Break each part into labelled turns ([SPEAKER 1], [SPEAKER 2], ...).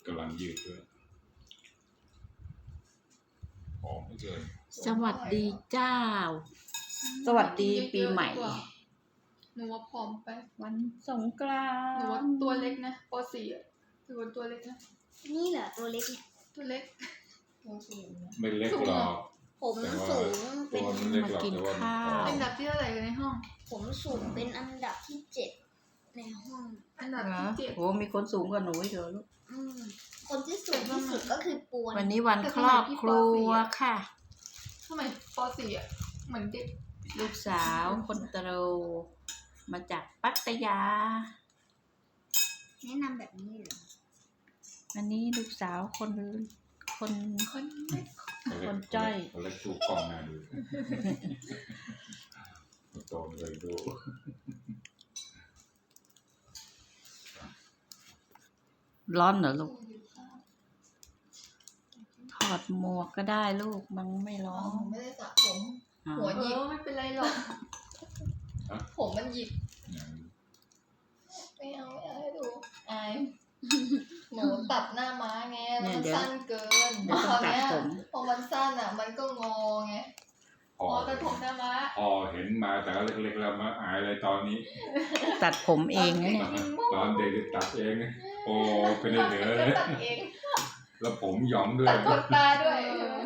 [SPEAKER 1] กำลังยืดด้วยหอมไม่เกิน
[SPEAKER 2] สวัสดีเจ้าสวัสดีปีใหม่
[SPEAKER 3] หนูว่าผอมไป
[SPEAKER 2] วันสงกราน
[SPEAKER 3] หนูว่า
[SPEAKER 2] ต์
[SPEAKER 3] ตัวเล็กนะป .4 อ่ะหนูว่าตัวเล็กนะ
[SPEAKER 4] นี่เหรอตัวเล็กเนี่ย
[SPEAKER 3] ตัวเล็กตัวสูงนะ
[SPEAKER 1] ไม่เล็กหรอก
[SPEAKER 4] ผมสูงเป็น
[SPEAKER 2] มากินข้าว
[SPEAKER 3] อันดับที่เท่าไหร่ในห้อง
[SPEAKER 4] ผมสูงเป็นอันดับที่7ในห้อง
[SPEAKER 3] อันดับที่7
[SPEAKER 2] โหมีคนสูงกว่าหนูอีกเหรอลูก
[SPEAKER 4] คนที่สูงที่สุดก็คือปวน
[SPEAKER 2] วันนี้วันครอบครัวค่ะ
[SPEAKER 3] ทำไมป .4 อ่ะเหมือนเด็ก
[SPEAKER 2] ลูกสาวคนโตมาจากปัตยา
[SPEAKER 4] แนะนำแบบนี้เหรอ
[SPEAKER 2] อันนี้ลูกสาวคนจ้อย
[SPEAKER 1] คนเล็กดูกล้องหน้าดูโตเลยดู
[SPEAKER 2] ร้อนเหรอลูกถอดหมวกก็ได้ลูกมันไม่ร้อน
[SPEAKER 3] ไม่ได้สระผมหัวหยิกไม่เป็นไรหรอกผมมันหยิกไม่เอาให้ดูอายหนูตัดหน้าม้าไงมันสั้นเกินพอเนี้ยพอมันสั้นอ่ะมันก็งอไงพอตัดผมหน้าม้า
[SPEAKER 1] เห็นมาแต่เล็กๆแล้วมาอายเลยตอนนี้
[SPEAKER 2] ตัดผมเองเนี่ย
[SPEAKER 1] ตอนเด็กตัดเองโอ้เป็นเหนือเลยแล้วผมหยองด้วย
[SPEAKER 3] ตัดขนตาด้วย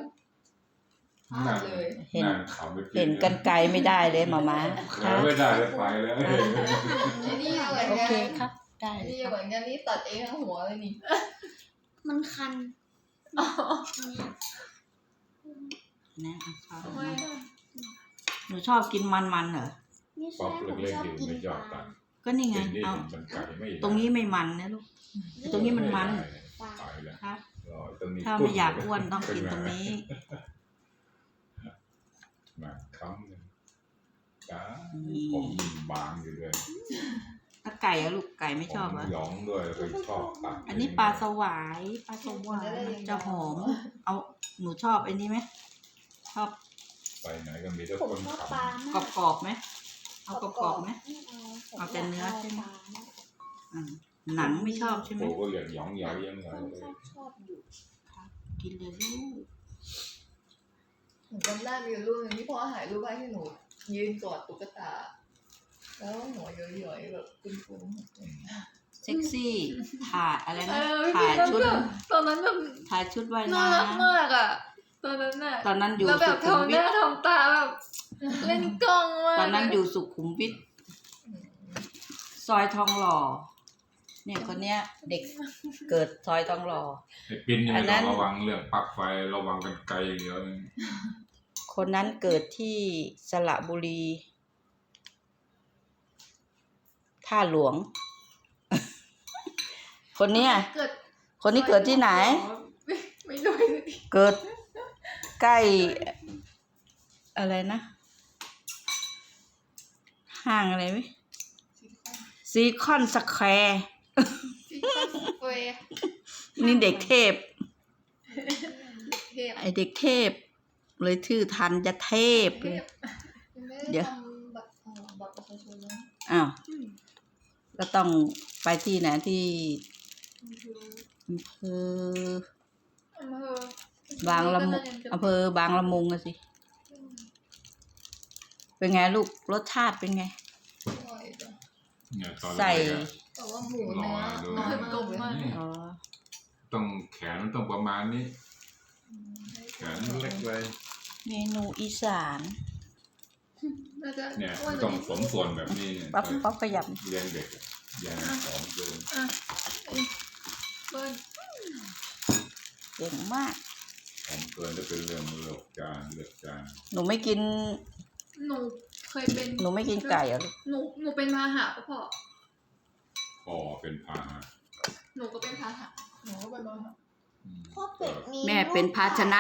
[SPEAKER 2] เห็นกันไกลไม่ได้เลยหม่าม้า
[SPEAKER 1] ไม่ได้เลยไปแล้ว
[SPEAKER 3] นี่เหมือน
[SPEAKER 2] โอเค
[SPEAKER 3] กัน
[SPEAKER 2] ครับได้
[SPEAKER 3] นี่เหมือนกันนี่ตัดเองทั้งหัวเลยนี่
[SPEAKER 4] มันคัน
[SPEAKER 2] นะหนูชอบกินมันเหรอ
[SPEAKER 4] นี่ชอบกินปลา
[SPEAKER 2] ก็นี่ไงเอาตรงนี้ไม่มันนะลูกตรงนี้มันครับถ้าไม่อยากอ้วนต้องกินตรงนี้
[SPEAKER 1] มาค้ำเลยจ้าผมบางอยู่ด้วย
[SPEAKER 2] ถ้าไก่อะลูกไก่ไม่ชอบเหรอ
[SPEAKER 1] หยองด้วยไปชอบตัด
[SPEAKER 2] อันนี้ปลาสวายจะหอมเอาหนูชอบอันนี้ไหมชอบ
[SPEAKER 1] ไปไหนก็มีแต่คนข
[SPEAKER 2] ำกรอบไหมเอากรอบไหมเอาแต่เนื้อใช่ไหมหนังไม่ชอบใช่ไหม
[SPEAKER 1] โอ้ก็เหลือหยองยังไง
[SPEAKER 4] ชอบอยู่
[SPEAKER 2] กินเลยลูก
[SPEAKER 3] หนูจำได้มีรูปนึงที่พ่อถ่ายรูปไว้ที่หนูยืนกอดตุ๊กตาแล้วหัวย้อยๆแบบกุ้ง
[SPEAKER 2] เซ็กซี่ถ่ายอะไรนะถ่ายชุด
[SPEAKER 3] ตอนนั้นแบบ
[SPEAKER 2] ถ่ายชุดว่ายน้ำ
[SPEAKER 3] น่ารักมากอ่ะตอนนั้นน่ะ
[SPEAKER 2] ตอนนั้นอยู่
[SPEAKER 3] แล้วแบบทำหน้าทำตาแบบเล่นกล้องมาก
[SPEAKER 2] ตอนนั้นอยู่สุขุมวิทซอยทองหล่อเนี่ยคนเนี้ยเด็กเกิดซอยทองหล่อ
[SPEAKER 1] ปินนี่ต้องระวังเรื่องปลั๊กไฟระวังกันไกลอย่างเดียว
[SPEAKER 2] คนนั้นเกิดที่สระบุรีท่าหลวงคนนี้เกิดที่ไหน
[SPEAKER 3] ไม่รู้
[SPEAKER 2] เกิดใกล้อะไรนะห้างอะไรไหมซีคอนสแควร์นี่เด็กเทพไอเด็กเทพเลยชื่อทันจะเทพเลยเดี๋ยวอ้าวก็ต้องไปที่ไหนที่บางละมุงอำเภอบางละมุงอะสิเป็นไงลูกรสชาติเป็นไงใส่
[SPEAKER 3] แต่ว่าหมูเนื้อกลมมาก
[SPEAKER 1] ต้องแขนต้องประมาณนี้แขนเล็กเลย
[SPEAKER 2] เมนูอีสาน
[SPEAKER 1] เนี่ยต้องสมส่วนแบบนี้เนี่ย
[SPEAKER 2] ป๊อปขยับ
[SPEAKER 1] เลี้ยงเด็กอย่างหอมเกิน
[SPEAKER 2] เก่งมาก
[SPEAKER 1] หอมเกินจะเป็นเรื่องเลือกจาน
[SPEAKER 2] หนูไม่กิน
[SPEAKER 3] หนูเคยเป็น
[SPEAKER 2] หนูไม่กินไก่เหรอ
[SPEAKER 3] หนูเป็นพาหะพ่อ
[SPEAKER 1] เป็นพาหะ
[SPEAKER 3] หนูก็เป็นพาหะหนูก็เป็นพาหะ
[SPEAKER 4] พ่อเป็ดมี
[SPEAKER 2] แม่เป็นภาชนะ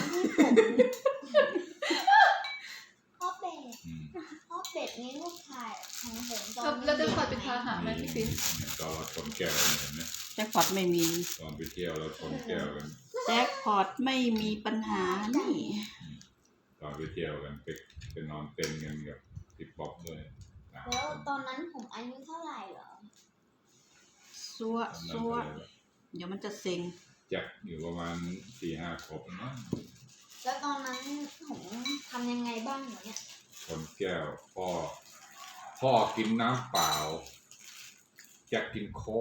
[SPEAKER 4] พ่อเป็ดนี่ลูกชายของผมตอน
[SPEAKER 3] แล้วจะขอเป็นพาหะไหมพี่ปิ๊น
[SPEAKER 1] ตอนเราชนแก้วเห็นไหม
[SPEAKER 2] แจ็คพอตไม่มี
[SPEAKER 1] ตอนไปเที่ยวเราชนแก้วกัน
[SPEAKER 2] แจ็คพอตไม่มีปัญหานี่
[SPEAKER 1] ตอนไปเที่ยวกันไปนอนเต็นท์กันกับติ๊บบ๊อบด้วย
[SPEAKER 4] แล้วตอนนั้นผมอายุเท่าไหร่เหรอ
[SPEAKER 2] ซัวเดี๋ยวมันจะเซ็ง
[SPEAKER 1] จักอยู่ประมาณ4-5 ขวบนะ
[SPEAKER 4] แล้วตอนนั้นผมทำยังไงบ้างเหรอเนี่ย
[SPEAKER 1] คนแก้วพ่อกินน้ำเปล่าจักกินโค้ก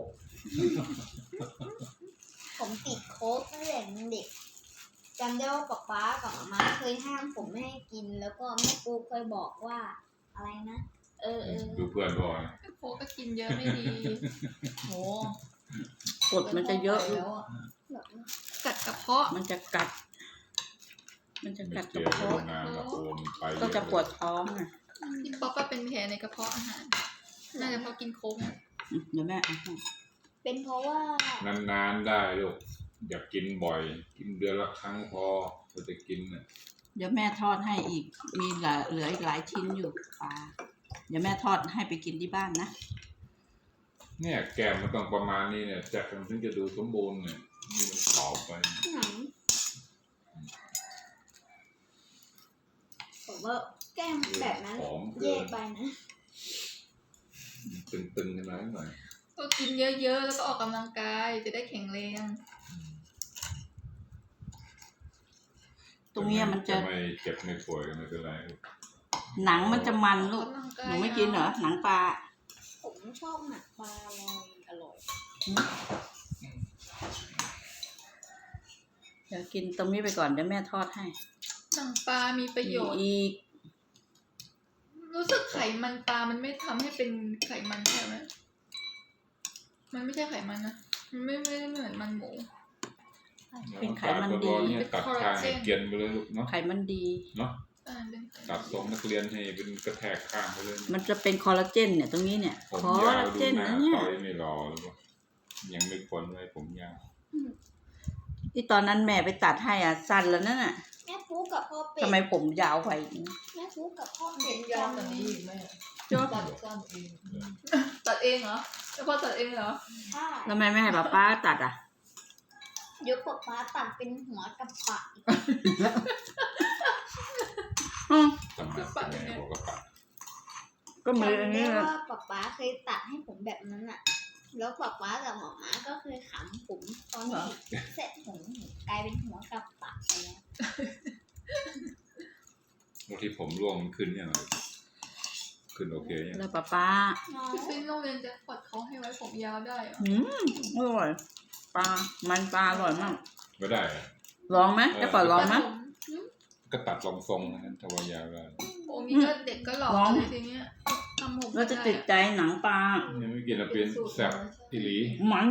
[SPEAKER 4] ผมติดโค้กตั้งแต่เด็กจำได้ว่าป๊ากับม่าเคยห้ามผมไม่ให้กิน แล้วก็แม่ปูเคยบอกว่าอะไรนะ
[SPEAKER 1] ดูเพื่อนบ่อย
[SPEAKER 3] โค้กก็กินเยอะไม่ดีโห
[SPEAKER 2] กดมันจะเยอะ
[SPEAKER 3] แล้วอะกัดกระเพาะ
[SPEAKER 2] มันจะกัดก
[SPEAKER 1] เกี่
[SPEAKER 2] ระ
[SPEAKER 1] ยว
[SPEAKER 2] เพาะ
[SPEAKER 1] นานโอนไป
[SPEAKER 2] ก็จะปวดท้องอ่ะ
[SPEAKER 3] พี่ป๊อปก็เป็นแผลในกระเพาะอาหารน่าจะเพราะกินโค้กอะ
[SPEAKER 2] เดี๋ยวแม่เอาให้
[SPEAKER 4] เป็นเพราะว่าน
[SPEAKER 1] านๆได้ลูกอย่ากินบ่อย กินเดือนละครั้งพอจะกินน่ะ
[SPEAKER 2] เดี๋ยวแม่ทอดให้อีกมีเหลืออีกหลายชิ้นอยู่ปลาเดี๋ยวแม่ทอดให้ไปกินที่บ้านนะ
[SPEAKER 1] เนี่ยแก้มมันต้องประมาณนี้เนี่ยจักมันถึงจะดูสมบูรณ์เนี่ยนี่มันขอบไป
[SPEAKER 4] หนังผมว่าแก้มแบบนั้น
[SPEAKER 1] หอมเกิ
[SPEAKER 4] แย่
[SPEAKER 1] น
[SPEAKER 4] ไปนะ
[SPEAKER 1] ตึงๆขึ้นมาหน่อย
[SPEAKER 3] ก็กินเยอะๆแล้วก็ออกกำลังกายจะได้แข็งแรง
[SPEAKER 2] ตรงเนี้ยมันจะ
[SPEAKER 1] ไม่เจ็บไม่ป่วยก็ไม่เป็นไร
[SPEAKER 2] หนังมันจะมันลูก
[SPEAKER 3] ออกกำลังกาย
[SPEAKER 2] หนูไม่กินเหรอหนังปลา
[SPEAKER 4] ผมชอบหนักปลาอร่อย
[SPEAKER 2] เดี๋ยวกินตรงนี้ไปก่อนเดี๋ยวแม่ทอดให้
[SPEAKER 3] หนังปลามีประโยชน์
[SPEAKER 2] อีก
[SPEAKER 3] รู้สึกไขมันปลามันไม่ทำให้เป็นไขมันใช่ไหมมันไม่ใช่ไขมันนะมันไม่ได้เหมือนมันหมู
[SPEAKER 2] เป็นไขมันดี
[SPEAKER 1] เนี่ยตัดข้างให้เกรียนไปเลยลูกเนาะ
[SPEAKER 2] ไขมันดี
[SPEAKER 1] เนาะ
[SPEAKER 3] เป็นไขมัน
[SPEAKER 1] ตัดทรงนักเรียนให้เป็นกระแทกข้างไปเลย
[SPEAKER 2] มันจะเป็นคอลลาเจนเนี่ยตรงนี้เนี่ย
[SPEAKER 1] ผม
[SPEAKER 2] คอย
[SPEAKER 1] าว
[SPEAKER 2] ลลา
[SPEAKER 1] ดู
[SPEAKER 2] เจน
[SPEAKER 1] หน้า
[SPEAKER 2] นะเนี่ย
[SPEAKER 1] ต่อยไม่รอเลยปะยังไม่พ้นเลยผมยาว
[SPEAKER 2] ที่ตอนนั้นแม่ไปตัดให้อ่ะสั้นแล้วนั่นน่ะ
[SPEAKER 4] แม่ปูกับพ่อเป็ด
[SPEAKER 2] ทำไมผมยาวไป
[SPEAKER 4] แม่ปูกับพ่อเป็
[SPEAKER 3] เห็
[SPEAKER 4] ด
[SPEAKER 3] นยาวกว่านี้อีกไหม
[SPEAKER 2] จ๊บ
[SPEAKER 3] ตัดสั้นเองตัดเองเหรอแล้วพอตัดเองเหรอ
[SPEAKER 4] ใช่
[SPEAKER 2] แล้วทำไมไม่ให้ป้าตัดอ่ะ
[SPEAKER 4] เดี๋ยวป๊าตัดเป็นหัวกับปาก
[SPEAKER 1] ทำไมเป็นไงบอกกระปัด
[SPEAKER 2] ก็มืออัน
[SPEAKER 4] จำ
[SPEAKER 2] นี้
[SPEAKER 4] ได้
[SPEAKER 2] แหละ
[SPEAKER 4] ว่าป๊าเคยตัดให้ผมแบบนั้นอ่ะ แล้วป๊ากับหมอม้าก็เคยขำผมตอนที่เสร็จผมกลายเป็นหัวกับปากไปแล้ว
[SPEAKER 1] บางทีผมร่วงมันขึ้นยังไงขึ้นโอเคยัง
[SPEAKER 2] แล้วป้า
[SPEAKER 3] พี่ฟินโรงเรียนจะปลดเขาให้ไว้ผมยาวได้เหรอ
[SPEAKER 2] อร่อยปลามันปลาอร่อยมาก
[SPEAKER 1] ไม่ได้อะ
[SPEAKER 2] ลองไหมจะปล่อยลองไหม
[SPEAKER 1] ก็ตัดลองทรงนะครับถ้าว่ายาวได้
[SPEAKER 3] โอ้มีก็เด็กก็หล่อเลยทีเนี้ยทำผม
[SPEAKER 2] เราจะติดใจหนังปลา
[SPEAKER 1] ยังไม่กินอะเป็นแซ่บอีหลี
[SPEAKER 2] มัน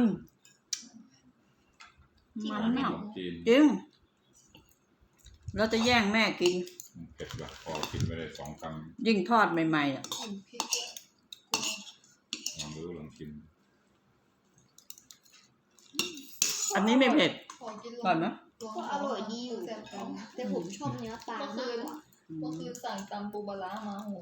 [SPEAKER 2] มาก
[SPEAKER 1] ของจีน
[SPEAKER 2] จริงเราจะแย่งแม่กิน
[SPEAKER 1] เผ็ดแบบพอกินไม่ได้2 คำ
[SPEAKER 2] ยิ่งทอดใหม่ๆอ่ะ
[SPEAKER 3] ผมพริกอะ
[SPEAKER 1] ลองดูลองกิน
[SPEAKER 2] อันนี้ไม่เผ็ด
[SPEAKER 3] ขอกิน
[SPEAKER 2] ก่อนนะ
[SPEAKER 4] ก็อร่อยดีอยู่เหมือนกันแต่ผมชอบเนื้อปลามากกว่า
[SPEAKER 3] ก็คือสั่งตำปูปลาร้ามาโห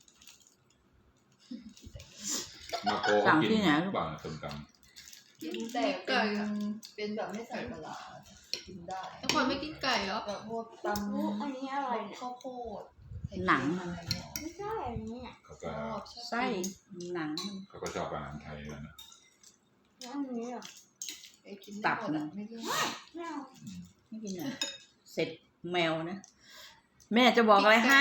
[SPEAKER 1] มาโก
[SPEAKER 2] สั่ง
[SPEAKER 1] กิน
[SPEAKER 2] ที่ไหน
[SPEAKER 1] บ้างต้มต
[SPEAKER 3] กินแต่เป็นแบบไม่ใส่ปลาร้ากินได้แต่คนไม่กินไก่เหรอแบบพวกตำ
[SPEAKER 4] อันนี้อร่อยเนี่ย
[SPEAKER 3] ข้าวโพด
[SPEAKER 2] หนัง
[SPEAKER 3] อะไรเงี้ย
[SPEAKER 4] ไม่ใช่อันนี้อ่ะ
[SPEAKER 1] ำเขา
[SPEAKER 3] ช
[SPEAKER 1] ก็
[SPEAKER 3] อบ
[SPEAKER 2] ไส้หนัง
[SPEAKER 1] เขาก็ชอบอาหารไทยแล้วนะ
[SPEAKER 4] แล้วอันนี้อ่ะ
[SPEAKER 3] ไปกินได้หมดอะไม่กิน
[SPEAKER 4] ไม่เอา
[SPEAKER 2] ไม่กินอ่ะเสร็จแมวนะ แม่จะบอกอะไรให้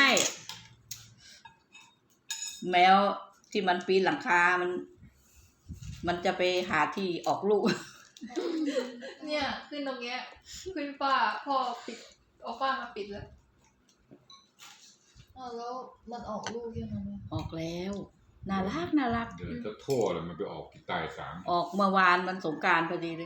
[SPEAKER 2] แมวที่มันปีนหลังคา มันจะไปหาที่ออกลูก
[SPEAKER 3] เนี่ยขึ้นตรงเนี้ยขึ้นฝ้าพ่อปิดเอาฝ้ามาปิดแล้วแล้วมันออกลูกยังไงเนี่ย
[SPEAKER 2] ออกแล้วน่ารัก
[SPEAKER 1] เดินจะทั่วเลยมันไปออกที่ใต้3
[SPEAKER 2] ออกเมื่อวานมันสงกรานต์พอดีเลย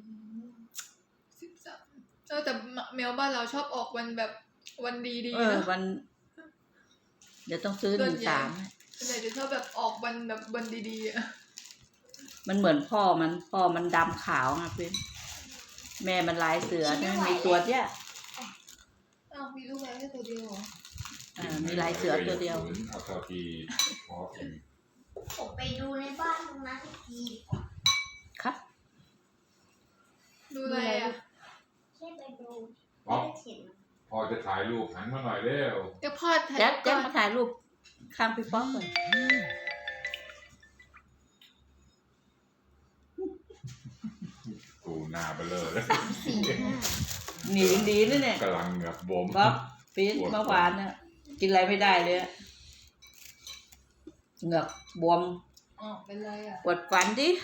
[SPEAKER 3] 13แต่แมวบ้านเราชอบออกวันแบบวันดีๆนะ
[SPEAKER 2] วัน เดี๋ยวต้องซื้อ
[SPEAKER 3] ส่วนใหญ่
[SPEAKER 2] 13
[SPEAKER 3] ส่วนใหญ่จะชอบแบบออกวันแบบวันดีๆอ่ะ
[SPEAKER 2] มันเหมือนพ่อมันดำขาวไงเพื่อนแม่มันลายเสือใช่ไหมมีตัวเนี้ย
[SPEAKER 3] อ้าวมีลูกแมวแค่ตัวเดียวเหรอ
[SPEAKER 2] มีลายเสือตัวเดียว
[SPEAKER 1] เอาเท่าที่พอเอง
[SPEAKER 4] ผมไปดูในบ้านตรงนั้นอีกทีดีกว่า
[SPEAKER 2] ครับ
[SPEAKER 3] ดูอะไรอ่ะ
[SPEAKER 4] แค่ไปดู
[SPEAKER 1] พอ
[SPEAKER 4] ไม่ได้เห็น
[SPEAKER 1] พอจะถ่ายรูปหันมาหน่อยเร็ว
[SPEAKER 3] ก็พ่อถ่าย
[SPEAKER 2] แจ๊ค
[SPEAKER 3] ก่อน
[SPEAKER 2] มาถ่ายรูปข้างพี่ป๊อกเลย
[SPEAKER 1] กูนหน้าเบลอเลย
[SPEAKER 2] หนีดีนะเนี่ย
[SPEAKER 1] กำลังเหงือกบวม
[SPEAKER 2] บ๊อบปี๊ดเมื่อวานเนี่ยกินอะไรไม่ได้เลยอะเหงือกบวม
[SPEAKER 3] อ๋อเป็นไรอ่ะ
[SPEAKER 2] ปวดฟันดิ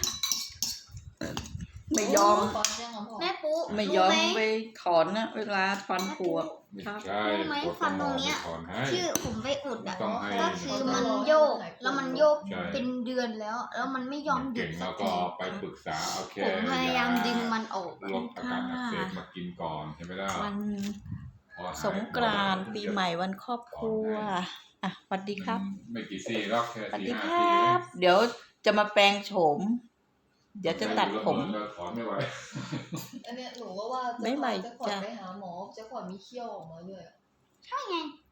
[SPEAKER 2] ไม่ยอม
[SPEAKER 3] ฟันยังอ่ะพ่อ
[SPEAKER 4] แม่ปุ๊
[SPEAKER 2] ไม่ยอม
[SPEAKER 4] รู้ไห
[SPEAKER 2] ไปถอนนะเวลาฟันผุอะ
[SPEAKER 1] ไม่ใช่
[SPEAKER 4] รู้ไหมฟันตรงเนี้ย
[SPEAKER 1] ถอนให้
[SPEAKER 4] ที่ผมไปอุดอ่ะ
[SPEAKER 1] ต้องให้
[SPEAKER 4] ก็คือมันโยกแล้วมันโยก
[SPEAKER 1] ใช่
[SPEAKER 4] เป็นเดือนแล้ว แล้วมันไม่ยอมหยุ
[SPEAKER 1] เก่
[SPEAKER 4] ด
[SPEAKER 1] ง
[SPEAKER 4] สั
[SPEAKER 1] แล้
[SPEAKER 4] ก
[SPEAKER 1] วก็
[SPEAKER 4] ที
[SPEAKER 1] ไปปรึกษาโอเค
[SPEAKER 4] ผมพยายามดึงมันออก
[SPEAKER 1] ลดอาการอักเสบมากินก่อนใช่ไหมล่ะ
[SPEAKER 2] วัน
[SPEAKER 1] พอหาย
[SPEAKER 2] สงกรานต์ปีใหม่วันครอบครัวอ่ะสวัสดีครับ
[SPEAKER 1] ไม่กี่ซี่หรอกแค่
[SPEAKER 2] สวัส
[SPEAKER 1] สี่
[SPEAKER 2] ดี
[SPEAKER 1] ห้า
[SPEAKER 2] ค
[SPEAKER 1] ซี่
[SPEAKER 2] รั
[SPEAKER 1] เอง
[SPEAKER 2] บ เดี๋ยวจะมาแปลงโฉม เดี๋ยวจะตัดผม
[SPEAKER 1] ถอนไม่ไหว
[SPEAKER 3] อันเนี้ยหนูก็ว่า
[SPEAKER 2] ไม่ไหว
[SPEAKER 3] จะขอ
[SPEAKER 2] จ้ะ
[SPEAKER 3] ไปหาหมอจะขอมีเขี้ยวออกมาด้วยอะ
[SPEAKER 4] ใช่ไง